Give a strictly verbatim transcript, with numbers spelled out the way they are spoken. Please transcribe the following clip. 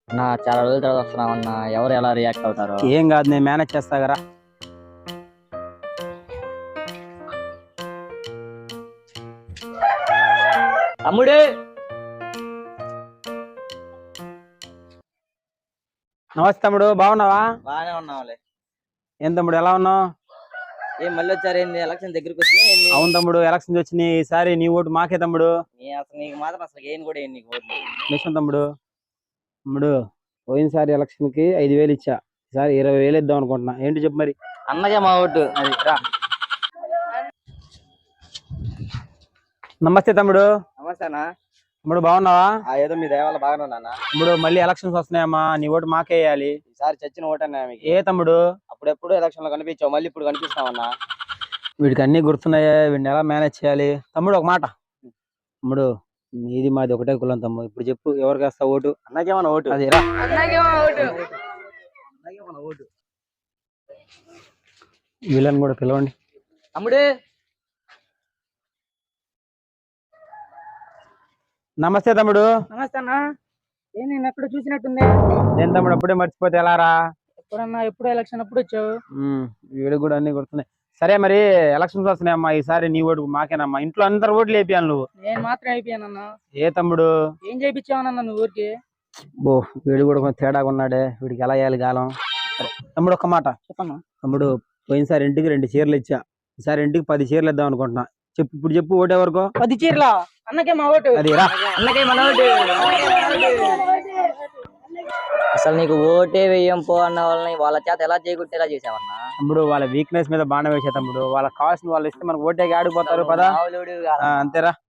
నా చాలా రోజుల తర్వాత వస్తున్నామన్నా, ఎవరు ఎలా రియాక్ట్ అవుతారో. ఏం కాదు, నేను మేనేజ్ చేస్తా కదా. తమ్ముడు నమస్తే తమ్ముడు, బాగున్నావా? బాగానే ఉన్నావులే. ఏం తమ్ముడు, ఎలా ఉన్నావు? ఏం మళ్ళీ వచ్చారు ఏంది? ఎలక్షన్ దగ్గరికి వచ్చి అవును తమ్ముడు, ఎలక్షన్స్ వచ్చినాయి. ఈసారి నీ ఓటు మాకే తమ్ముడు. అసలు నీకు మాత్రం అసలు ఏం కూడా ఏం నీకు ఓట్లు. నిజం తమ్ముడు. తమ్ముడు, పోయినసారి ఎలక్షన్ కి ఐదు వేలు ఇచ్చా, ఈసారి ఇరవై వేలు ఇద్దాం అనుకుంటున్నా. ఏంటి చెప్పు మరి. అన్నగా మా ఓటు అది రా. నమస్తే తమ్ముడు. నమస్తేనా. తమ్ముడు బాగున్నావా? ఏదో మీ దయవల్ల బాగానే ఉన్నా. తమ్ముడు, మళ్ళీ ఎలక్షన్స్ వస్తున్నాయమ్మా, నీ ఓటు మాకే వేయాలి. ఈసారి చచ్చిన ఓటు అన్నా మీకు. ఏ తమ్ముడు, అప్పుడెప్పుడు ఎలక్షన్ లో కనిపించావు, మళ్ళీ ఇప్పుడు కనిపిస్తావన్నా. వీడికి అన్ని గుర్తున్నాయా, వీడిని ఎలా మేనేజ్ చేయాలి? తమ్ముడు ఒక మాట. తమ్ముడు, నీది మాది ఒకటే కులం తమ్ముడు. ఇప్పుడు చెప్పు, ఎవరికి వేస్తావు ఓటు? అన్నకేమన్నా ఓటు. అది రా. ఓటు. వీళ్ళని కూడా పిలవండి. తమ్ముడు నమస్తే తమ్ముడు. నమస్తే అన్న. ఏం నేను ఎక్కడ చూసినట్టుంది? నేను తమ్ముడు, అప్పుడే మర్చిపోతే ఎలా రా? ఎప్పుడన్నా ఎప్పుడు ఎలక్షన్ అప్పుడు వచ్చావు? వీడికి కూడా అన్ని గుర్తున్నాయి. సరే మరి, ఎలక్షన్స్ వస్తున్నాయమ్మా, ఈసారి నీ ఓటు మాకేనమ్మా. ఇంట్లో అందరు ఓట్లు వేపియాలి నువ్వు. నేను మాత్రం అయిపోయానన్న. ఏ తమ్ముడు, ఏం చేయించావనన్న నువ్వు ఊరికి? బో, వీడు కూడా కొంచెం తేడాగా ఉన్నాడే, వీడికి ఎలా వేయాలి గాలం. సరే తమ్ముడు, ఒక్క మాట చెప్పన్నా. తమ్ముడు, పోయినసారి ఇంటికి రెండు చీరలు ఇచ్చా, ఈసారి ఇంటికి పది చీరలు ఇద్దాం అనుకుంటున్నా. చెప్పు, ఇప్పుడు చెప్పు, ఓటే వరకు. పది చీరలా? అన్నకే మా ఓటు. అది రా. అన్నకే మన ఓటు. అసలు నీకు ఓటే వేయం పో అన్న వాళ్ళని వాళ్ళ చేత ఎలా చేయకుంటేలా చేసావన్నా. తమ్ముడు, వాళ్ళ వీక్నెస్ మీద బాణం వేసే తమ్ముడు. వాళ్ళకి కావాల్సిన వాళ్ళు ఇస్తే మనకు ఓటే ఆడిపోతారు పదా. అంతేరా.